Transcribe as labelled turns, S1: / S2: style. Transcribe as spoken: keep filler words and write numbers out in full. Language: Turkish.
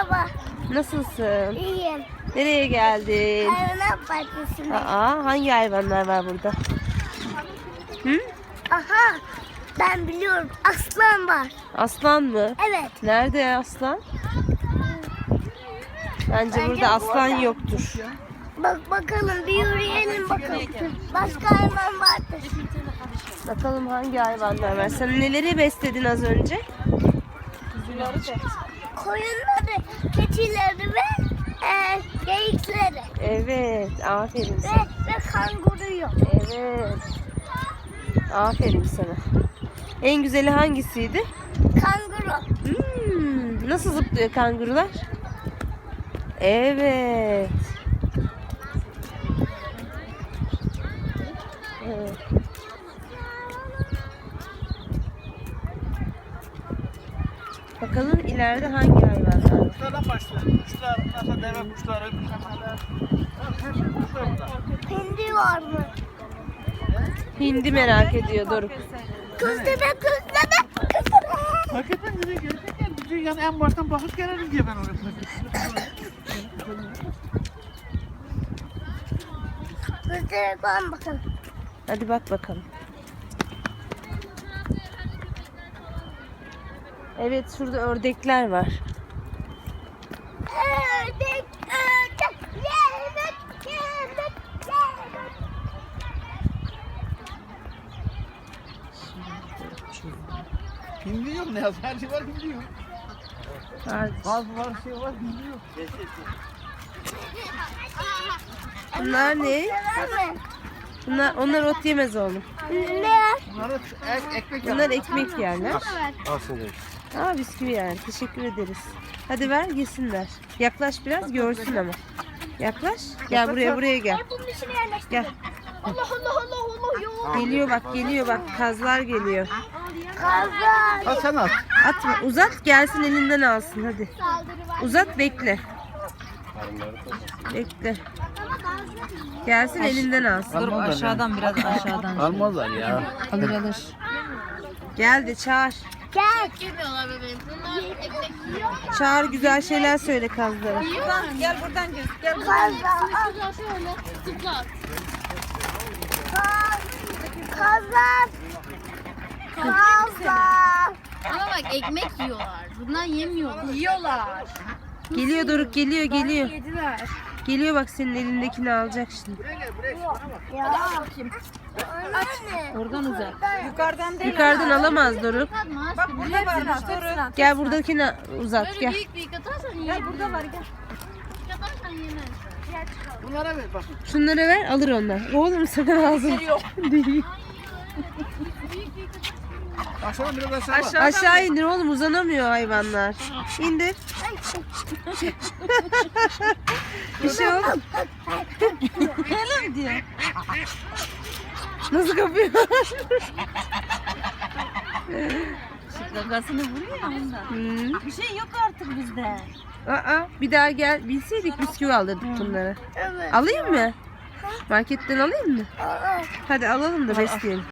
S1: Merhaba.
S2: Nasılsın?
S1: İyiyim.
S2: Nereye geldin?
S1: Hayvanat bahçesinde.
S2: Aa, hangi hayvanlar var burada? Hı?
S1: Aha. Ben biliyorum. Aslan var.
S2: Aslan mı?
S1: Evet.
S2: Nerede aslan? Bence,
S1: Bence
S2: burada aslan
S1: burada.
S2: yoktur.
S1: Bak bakalım bir yürüyelim bakalım. Başka hayvan vardır.
S2: Bakalım hangi hayvanlar var. Sen neleri besledin az önce?
S1: Koyunları, keçileri ve e, geyikleri.
S2: Evet, aferin
S1: Ve,
S2: sana.
S1: ve kanguruyu.
S2: Evet. Aferin sana. En güzeli hangisiydi?
S1: Kanguru.
S2: Hmm, nasıl zıplıyor kangurular? Evet. Evet. Bakalım ileride hangi hayvanlar var?
S3: Kuşlardan başlayalım. Kuşlar, mesela deve kuşları, kuşlar burada.
S1: Hindi var mı?
S2: Hindi merak ediyor Doruk.
S1: Kızdeme kızdeme kızdeme.
S3: Hakikaten bize gerçekten bize yani en baştan bakıp gelelim diye ben oraya.
S1: Kızdeme koyalım bakalım.
S2: Hadi bak bakalım. Evet, şurada ördekler var.
S1: Ördek ördek yemek yemek yemek.
S3: Hindi yok ne yazık her şey var hindi yok.
S2: Var.
S3: Gaz var şey var hindi yok.
S2: Bunlar ne?
S1: Sever mi?
S2: Bunlar, onlar ot yemez oğlum.
S1: Ne?
S3: Bunları ek, ekmek
S2: Bunlar ekmek yerler.
S3: Alsın demiş.
S2: Aa, bisküvi yani. Teşekkür ederiz. Hadi ver yesinler. Yaklaş biraz görsün ama. Yaklaş. Gel buraya buraya gel.
S1: Bunun içine yerleştir.
S2: Gel.
S1: Allah Allah Allah Allah yok.
S2: Geliyor bak geliyor bak. Kazlar geliyor.
S1: Kazan.
S3: Ha sen at.
S2: Atma uzat gelsin elinden alsın hadi. Uzat bekle. Bekle. Gelsin elinden alsın.
S4: Dur aşağıdan biraz aşağıdan.
S3: Almazlar ya.
S4: Alır alır.
S2: Gel de çağır.
S1: Gel.
S2: Çağır güzel şeyler söyle kazlara.
S4: Gel buradan gel. Gel.
S1: Kazan. Kazan. Kazan.
S5: Ama bak ekmek yiyorlar. Bunlar yemiyorlar.
S4: Yiyorlar.
S2: Geliyor Doruk geliyor geliyor.
S4: Yediler.
S2: Geliyor bak senin elindekini alacak şimdi.
S1: Ya. Anne.
S4: Oradan uzak. Yukarıdan değil.
S2: Yukarıdan alamaz Doruk.
S5: Atma.
S4: Bak burada varmış. Dur.
S2: Gel buradakini uzat
S5: Böyle
S2: gel.
S5: büyük büyük atarsan
S4: Gel
S5: yiyebilir.
S4: burada var gel.
S5: Atarsan yemez.
S3: Bunlara ver bak.
S2: Şunları ver alır onlar. Oğlum sakın ağzını. Değil.
S3: Aşağıdan biraz aşağı bak.
S2: Aşağı indir oğlum uzanamıyor hayvanlar. İndir. Bir şey oldu.
S4: Öyle mi diyor?
S2: Nasıl kapıyor?
S4: Gagasını vuruyor ya ondan.
S2: Hmm.
S4: Bir şey yok artık bizde.
S2: Aa, bir daha gel. Bilseydik bisküvi alırdık bunları.
S1: Evet.
S2: Alayım mı? Marketten alayım mı?
S1: Aa.
S2: Hadi alalım da besleyelim.